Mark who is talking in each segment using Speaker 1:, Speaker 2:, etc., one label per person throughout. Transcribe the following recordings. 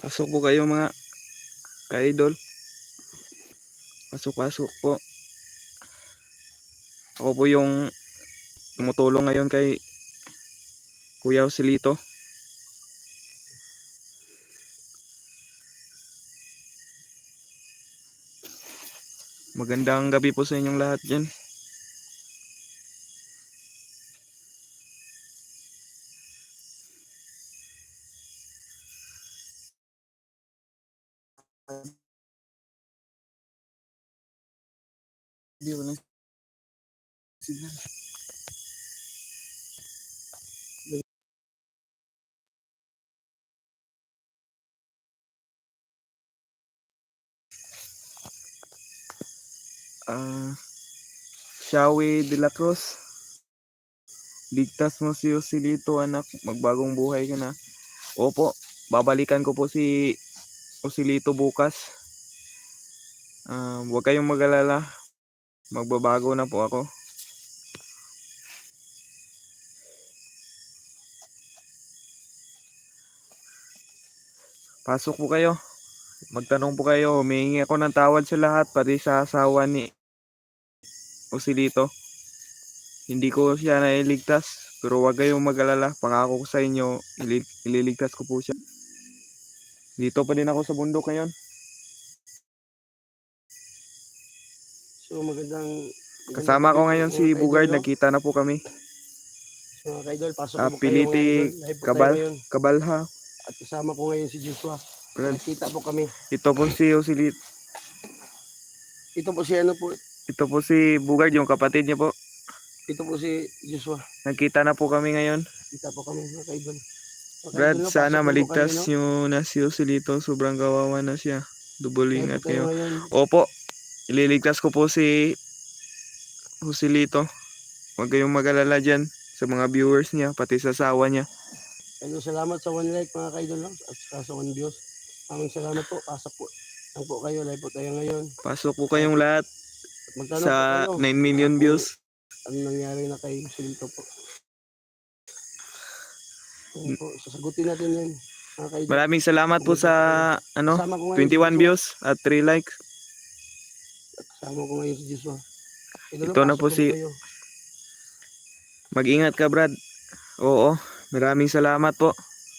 Speaker 1: Pasok po kayo mga ka-idol. Pasok po. Ako po yung tumutulong ngayon kay Kuya Joselito. Magandang gabi po sa inyong lahat dyan. Hindi wala signal. Shawi de la Cruz, ligtas mo si Joselito anak, magbagong buhay ka na. Opo, babalikan ko po si Joselito bukas. Huwag kayong mag-alala, magbabago na po ako. Pasok po kayo, magtanong po kayo, humihingi ako ng tawad sa lahat, pati sa asawa ni Joselito. Hindi ko siya nailigtas, pero huwag kayong mag-alala, pangako ko sa inyo, ililigtas ko po siya. Dito pa din ako sa bundok ngayon.
Speaker 2: So magandang
Speaker 1: Kasama ko ngayon si Bugard, nagkita na po kami.
Speaker 2: So mga ka-idol, pasok po kayo
Speaker 1: Piliti
Speaker 2: ngayon.
Speaker 1: Kabalha.
Speaker 2: At kasama ko ngayon si Joshua. Nakita po kami.
Speaker 1: Ito po si Joselito.
Speaker 2: Ito po si ano po.
Speaker 1: Ito po si Bugard, yung kapatid niya po.
Speaker 2: Ito po si Joshua.
Speaker 1: Nagkita na po kami ngayon.
Speaker 2: Kita po kami mga ka-idol.
Speaker 1: Brad, sana maligtas nyo na si Joselito. Sobrang kawawa na siya. Double ingat kayo. Opo, ililigtas ko po si Joselito. Huwag kayong mag-alala dyan sa mga viewers niya, pati sa asawa niya.
Speaker 2: Ano, salamat sa 1 like mga ka-idol at sa 1 views. Maraming salamat po. Pasok po. Lang po kayo. Live po tayo ngayon.
Speaker 1: Pasok po kayong lahat sa 9 million views.
Speaker 2: Ano nangyari na kay Joselito po. Po, sasagutin natin yan.
Speaker 1: Maraming salamat po sa 21 views at 3 likes.
Speaker 2: Kasama ko ngayon si Joshua.
Speaker 1: Ito na po si... Mag-ingat ka, Brad. Oo, maraming salamat po.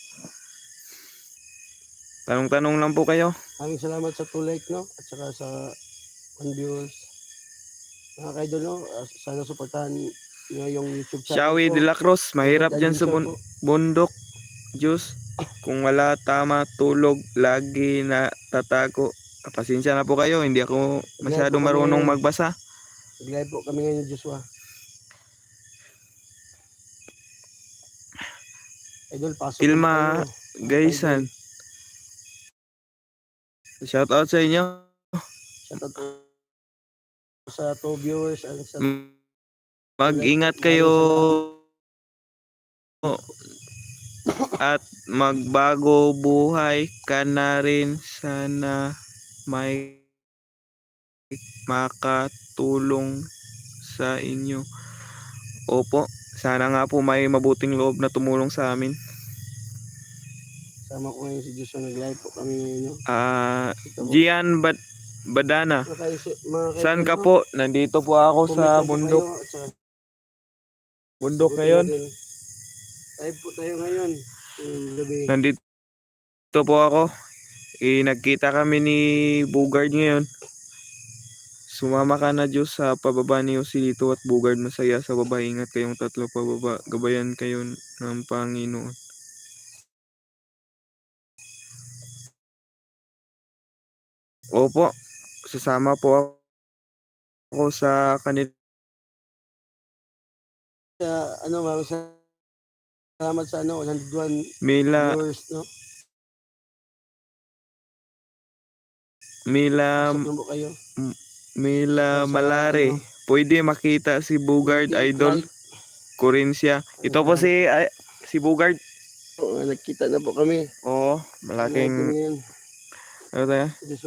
Speaker 1: Tanong-tanong lang po kayo.
Speaker 2: Maraming salamat sa 2 like, no? At saka sa 1 views. Mga ka-idol, no? Sana suportahan nyo yung YouTube channel.
Speaker 1: Shawi de la Cruz, mahirap dyan sa bundok. Diyos, kung wala tama tulog, lagi na tatago. Pasensya na po kayo, hindi ako masyadong marunong magbasa.
Speaker 2: Nag-live po kami ngayon, Joshua. Idol, pasok
Speaker 1: Ilma Gaysan. Shout out sa inyo.
Speaker 2: Shout out sa 2 viewers.
Speaker 1: Mag-ingat kayo at magbago buhay ka na rin. Sana may makatulong sa inyo. Opo, sana nga po may mabuting loob na tumulong sa amin.
Speaker 2: Sama ko ngayon si Joshua, nag-live po kami ngayon.
Speaker 1: Gian Badana. Saan ka po? Nandito po ako sa bundok. Bundok ngayon.
Speaker 2: Live po tayo ngayon.
Speaker 1: Nandito po ako. Nagkita kami ni Bugard ngayon. Sumama ka na Diyos sa pababa ni Joselito at Bugard, masaya sa baba. Ingat kayong tatlo pababa. Gabayan kayo ng Panginoon. Opo, sasama po ako sa kanila.
Speaker 2: Maraming salamat sa 101
Speaker 1: Mila
Speaker 2: viewers, no?
Speaker 1: Mila Malare. Pwede makita si Bugard, idol. Corinthia. Ito po si Bugard.
Speaker 2: Nagkita na po kami.
Speaker 1: Oo, malaking... Ano tayo?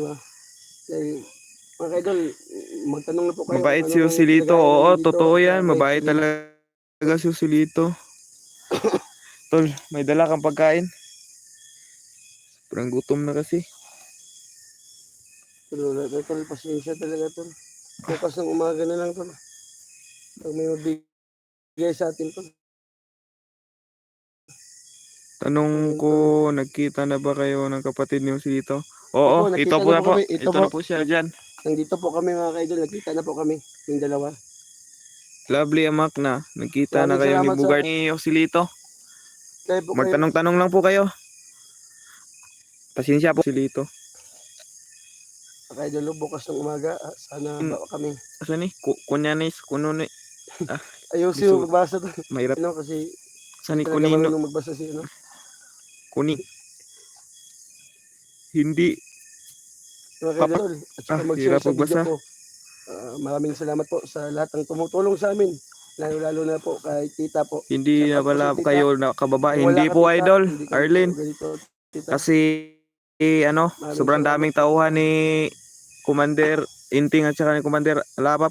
Speaker 2: Mga idol, magtanong na po kayo.
Speaker 1: Mabait si Joselito. Oo, totoo yan. Mabait talaga si Joselito. Tol, may dala kang pagkain? Sobrang gutom na kasi.
Speaker 2: Pero wala na tol, pasensya talaga tol. Bukas ng umaga na lang tol. Pag may mabigay sa atin tol.
Speaker 1: Tanong
Speaker 2: Ayun,
Speaker 1: ko,
Speaker 2: tol.
Speaker 1: nagkita na ba kayo ng kapatid niyo si Lito?
Speaker 2: Opo,
Speaker 1: Oo, ito
Speaker 2: nakita
Speaker 1: po
Speaker 2: na
Speaker 1: na
Speaker 2: po
Speaker 1: po.
Speaker 2: kami. Ito
Speaker 1: Ito
Speaker 2: po.
Speaker 1: na po siya dyan.
Speaker 2: Nandito po kami mga kaidol. Nakita na po kami. Yung dalawa.
Speaker 1: Lovely amak na. Nagkita na
Speaker 2: Maraming
Speaker 1: kayo ni
Speaker 2: salamat sa
Speaker 1: Bugard ni Osilito.
Speaker 2: kayo po kayo.
Speaker 1: Magtanong-tanong lang po kayo. Pasensya po si Lito.
Speaker 2: Mga kaidol, bukas ng umaga. Sana ba kami.
Speaker 1: Asa ni? Kunyanis, kununi. Ah,
Speaker 2: Ayusin
Speaker 1: gusto,
Speaker 2: yung magbasa tol.
Speaker 1: mahirap.
Speaker 2: Ano, kasi
Speaker 1: Asa
Speaker 2: hindi
Speaker 1: ni
Speaker 2: talaga
Speaker 1: kunino?
Speaker 2: marunong magbasa si ano.
Speaker 1: Kuni. Hindi.
Speaker 2: Mga
Speaker 1: Papa.
Speaker 2: kaidol. At saka mag-share
Speaker 1: Hirap
Speaker 2: sa video
Speaker 1: magbasa.
Speaker 2: po. Maraming salamat po sa lahat ng tumutulong sa amin. Lalo na po kay tita po.
Speaker 1: Hindi na
Speaker 2: Shout out po
Speaker 1: pala
Speaker 2: sa tita.
Speaker 1: kayo nakababa.
Speaker 2: Kung wala
Speaker 1: Hindi
Speaker 2: ka
Speaker 1: po
Speaker 2: tita,
Speaker 1: idol,
Speaker 2: hindi kami
Speaker 1: Arlene.
Speaker 2: po ganito tita.
Speaker 1: Kasi ano,
Speaker 2: Maraming
Speaker 1: sobrang
Speaker 2: salamat
Speaker 1: daming
Speaker 2: po.
Speaker 1: tauhan ni Commander Inting at saka ni Commander Alapap.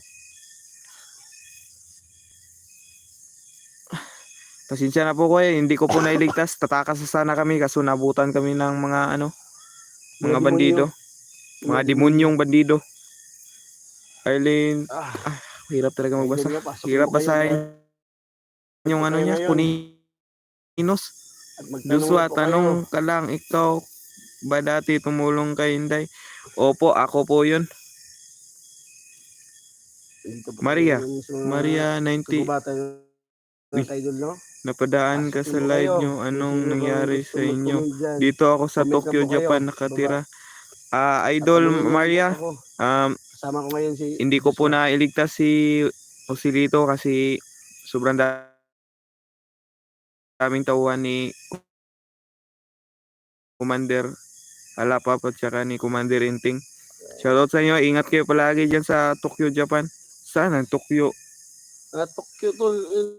Speaker 1: Pasensya na po ko hindi ko po nailigtas. Tatakas na sana kami kaso nabutan kami ng mga ano, mga bandido. Mga demonyong bandido. Arlene, hirap talaga magbasa.
Speaker 2: Idol nga, pasok
Speaker 1: Hirap
Speaker 2: mo kayo,
Speaker 1: basahin yung
Speaker 2: pasok
Speaker 1: ano
Speaker 2: kayo
Speaker 1: niya,
Speaker 2: ngayon.
Speaker 1: Kuninos.
Speaker 2: At magtanong
Speaker 1: Joshua,
Speaker 2: po kayo.
Speaker 1: tanong ka lang, ikaw ba dati tumulong kay Inday? Opo, ako po yun.
Speaker 2: Dito po
Speaker 1: Maria,
Speaker 2: kayo sa mga
Speaker 1: Maria 90,
Speaker 2: kagubatan ng kaidol, no?
Speaker 1: napadaan ka
Speaker 2: Pasok
Speaker 1: sa
Speaker 2: mo
Speaker 1: live
Speaker 2: kayo.
Speaker 1: nyo.
Speaker 2: Kung
Speaker 1: Anong
Speaker 2: sino bang
Speaker 1: nangyari
Speaker 2: gusto
Speaker 1: sa inyo?
Speaker 2: mag-comment dyan.
Speaker 1: Dito ako sa
Speaker 2: Comment lang
Speaker 1: Tokyo,
Speaker 2: po kayo.
Speaker 1: Japan
Speaker 2: Baba.
Speaker 1: nakatira.
Speaker 2: At
Speaker 1: Idol
Speaker 2: tanungin niyo lang po
Speaker 1: Maria,
Speaker 2: ako.
Speaker 1: um,
Speaker 2: Kasama ko ngayon si
Speaker 1: hindi ko po
Speaker 2: Joshua.
Speaker 1: nailigtas si Osilito kasi sobrang daming tauhan ni Commander Alapap at saka ni Commander Inting. Shoutout sa inyo, ingat kayo palagi dyan sa Tokyo, Japan. Saan ang Tokyo?
Speaker 2: Tokyo tol.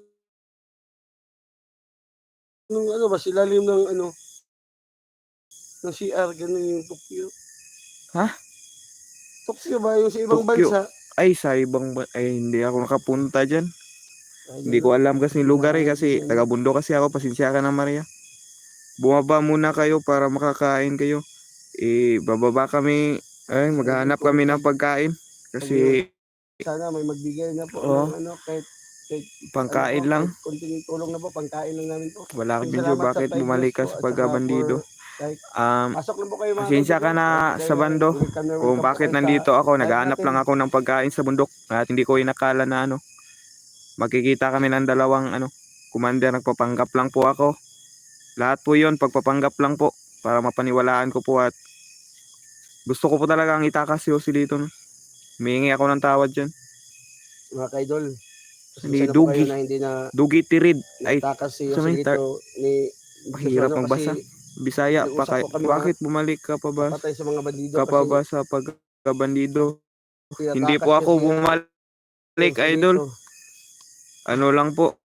Speaker 2: Nung ano ba, silalim ng ano, ng CR, ganun yung Tokyo.
Speaker 1: Ha?
Speaker 2: Tokyo ba yung sa ibang
Speaker 1: Tokyo.
Speaker 2: bansa?
Speaker 1: Ay, sa ibang ay hindi ako nakapunta dyan.
Speaker 2: Ay,
Speaker 1: Hindi ko alam kasi yung lugar kasi taga-bundo kasi ako. Pasensya ka na Maria. Bumaba muna kayo para makakain kayo. Bababa kami. Ay, maghahanap kami ng pagkain. Kasi
Speaker 2: sana may magbigay na po ng ano, kahit
Speaker 1: pangkain
Speaker 2: ano po,
Speaker 1: lang.
Speaker 2: kahit konting tulong na po, pangkain lang namin po.
Speaker 1: Wala kang video.
Speaker 2: Salamat sa
Speaker 1: Bakit
Speaker 2: 5
Speaker 1: bumalik
Speaker 2: years
Speaker 1: ka
Speaker 2: po,
Speaker 1: sa
Speaker 2: at saka
Speaker 1: pagkabandido?
Speaker 2: kahit pasok lang po kayo mga
Speaker 1: Pasensya ka
Speaker 2: kaibigan.
Speaker 1: na
Speaker 2: Kahit
Speaker 1: sa bando.
Speaker 2: welcome na
Speaker 1: Kung
Speaker 2: welcome po
Speaker 1: bakit
Speaker 2: kayo
Speaker 1: nandito
Speaker 2: sa
Speaker 1: ako.
Speaker 2: live
Speaker 1: Naghahanap
Speaker 2: natin.
Speaker 1: lang ako ng pagkain sa bundok. At hindi ko inakala na ano. Makikita kami ng dalawang ano. Commander, nagpapanggap lang po ako. Lahat po yun, pagpapanggap lang po. Para mapaniwalaan ko po at gusto ko po talaga ang itakas si Osilito. Humingi ako ng tawad dyan.
Speaker 2: Mga kaidol,
Speaker 1: Hindi,
Speaker 2: pasensya na po
Speaker 1: Dugi.
Speaker 2: kayo na hindi na
Speaker 1: Dugi Tirid. Ay,
Speaker 2: natakas si
Speaker 1: sabi,
Speaker 2: Joselito ni
Speaker 1: mahirap
Speaker 2: Joshua
Speaker 1: magbasa.
Speaker 2: kasi
Speaker 1: Bisaya pa
Speaker 2: nag-usap po kami
Speaker 1: bakit bumalik ka pa ba?
Speaker 2: papatay sa mga bandido
Speaker 1: Ka pa
Speaker 2: kasi
Speaker 1: ba sa pagkabandido? Hindi
Speaker 2: tinatakas
Speaker 1: po ako
Speaker 2: niya si
Speaker 1: bumalik, idol.
Speaker 2: Joselito.
Speaker 1: Ano lang po.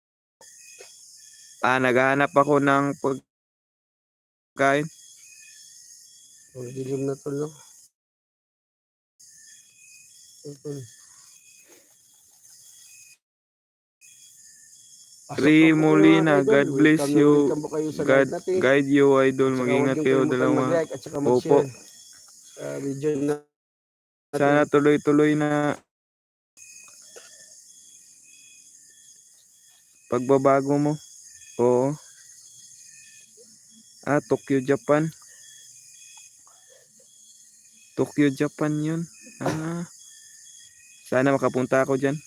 Speaker 1: Naghahanap ako ng pagkain.
Speaker 2: Dilim na tol, no?
Speaker 1: Ri Molina, God bless you.
Speaker 2: Welcome po kayo sa
Speaker 1: God
Speaker 2: live natin.
Speaker 1: guide you, idol.
Speaker 2: At saka huwag
Speaker 1: Mag-ingat
Speaker 2: niyong
Speaker 1: kayo
Speaker 2: kalimutan
Speaker 1: dalawa.
Speaker 2: mag-like at saka
Speaker 1: Opo.
Speaker 2: mag-share sa video natin.
Speaker 1: Sana tuloy-tuloy na pagbabago mo. Oo. Tokyo, Japan. Tokyo, Japan yun. Sana makapunta ako dyan.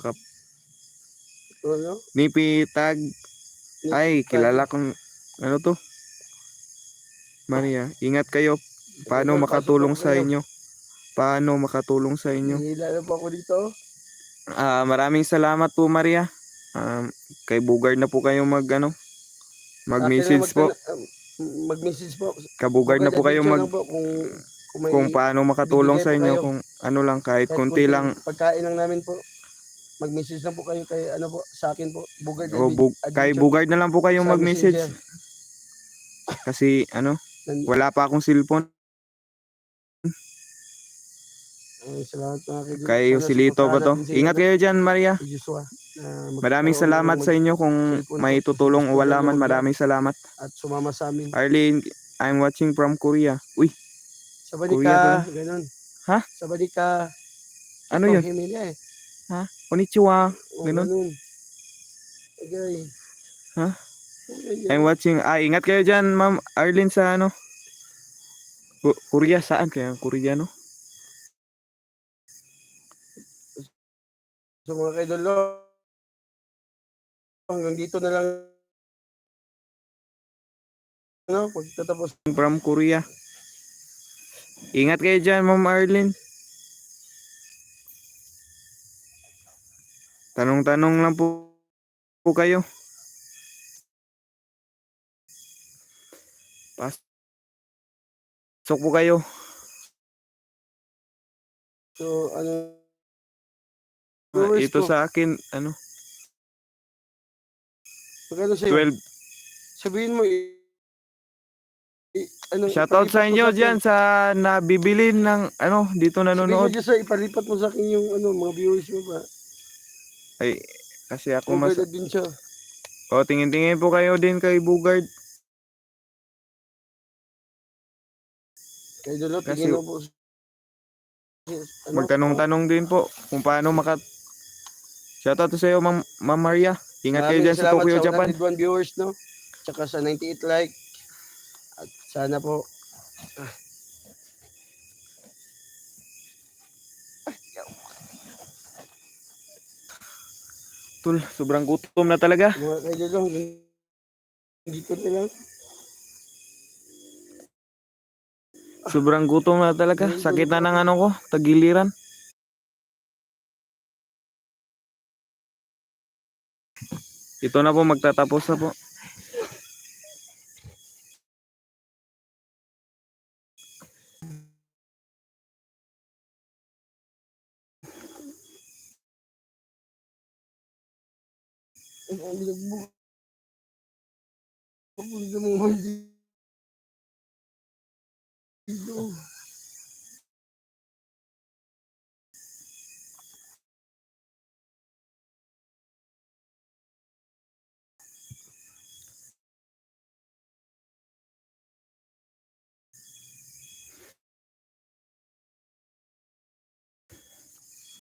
Speaker 2: Ano?
Speaker 1: Nipitag. Ay, kilala kong ano to? Maria, ingat kayo. Paano makatulong sa inyo? Paano makatulong sa inyo?
Speaker 2: Hihila na po ako dito.
Speaker 1: Maraming salamat po Maria. Kay Bugard na po kayo mag-message po.
Speaker 2: Mag-message po.
Speaker 1: Kabugard na po kayo kung paano makatulong sa inyo. Kung ano lang, kahit konti lang.
Speaker 2: Pagkain lang namin po. Mag-message lang po kayo kay ano po, sa akin po. Bugard
Speaker 1: Kay Bugard na lang po kayo mag-message. Kasi wala pa akong cellphone.
Speaker 2: Salamat
Speaker 1: Kay Osilito ba to? Ingat kayo dyan Maria. Maraming salamat sa inyo kung may tutulong o wala man. Maraming salamat.
Speaker 2: At sumama sa amin.
Speaker 1: Arlene, I'm watching from Korea. Uy,
Speaker 2: Sabadi
Speaker 1: Korea pala.
Speaker 2: ka, ganun.
Speaker 1: Ha?
Speaker 2: Sabadi ka.
Speaker 1: Ano
Speaker 2: Ito,
Speaker 1: yun?
Speaker 2: himili eh.
Speaker 1: Ha? Konnichiwa.
Speaker 2: O,
Speaker 1: Ganun.
Speaker 2: ganun. Okay.
Speaker 1: Ha?
Speaker 2: Okay,
Speaker 1: I'm watching. Ingat kayo dyan, Ma'am Arlene, sa ano? Korea, saan kaya? Korea, no?
Speaker 2: So mga kaidolo, hanggang dito na lang, ano, pagtatapos.
Speaker 1: From Korea. Ingat kayo dyan, Ma'am Arlene. Tanong-tanong lang po kayo. Pasok po kayo.
Speaker 2: So, ano, viewers
Speaker 1: Ito
Speaker 2: ko,
Speaker 1: sa akin, ano,
Speaker 2: magkano sa'yo?
Speaker 1: 12.
Speaker 2: Sabihin mo, ano,
Speaker 1: Shoutout sa
Speaker 2: ipalipat mo
Speaker 1: inyo
Speaker 2: sa akin.
Speaker 1: dyan sa nabibili ng, ano, dito
Speaker 2: Sabihin mo
Speaker 1: nanonood.
Speaker 2: dyan sa, ipalipat mo sa akin yung, ano, mga viewers mo ba?
Speaker 1: Ay, kasi ako mas...
Speaker 2: Bugard din siya.
Speaker 1: O, tingin-tingin po kayo din kay Bugard.
Speaker 2: Kaidolo,
Speaker 1: Kasi
Speaker 2: tingin mo po. Ano,
Speaker 1: magtanong-tanong din po kung paano Shoutout to sa iyo, Ma'am Maria. Ingat kayo
Speaker 2: maraming
Speaker 1: dyan sa
Speaker 2: salamat
Speaker 1: Tokyo,
Speaker 2: sa
Speaker 1: Japan.
Speaker 2: 101 viewers, no? Tsaka sa 98 like. At sana po,
Speaker 1: Tul, sobrang gutom na talaga.
Speaker 2: mga kaidolo, dito na lang.
Speaker 1: Sobrang gutom na talaga. Sakit na ng ano ko, tagiliran. Ito na po, magtatapos na po.
Speaker 2: Ang bilag mo. Ang bilag mo.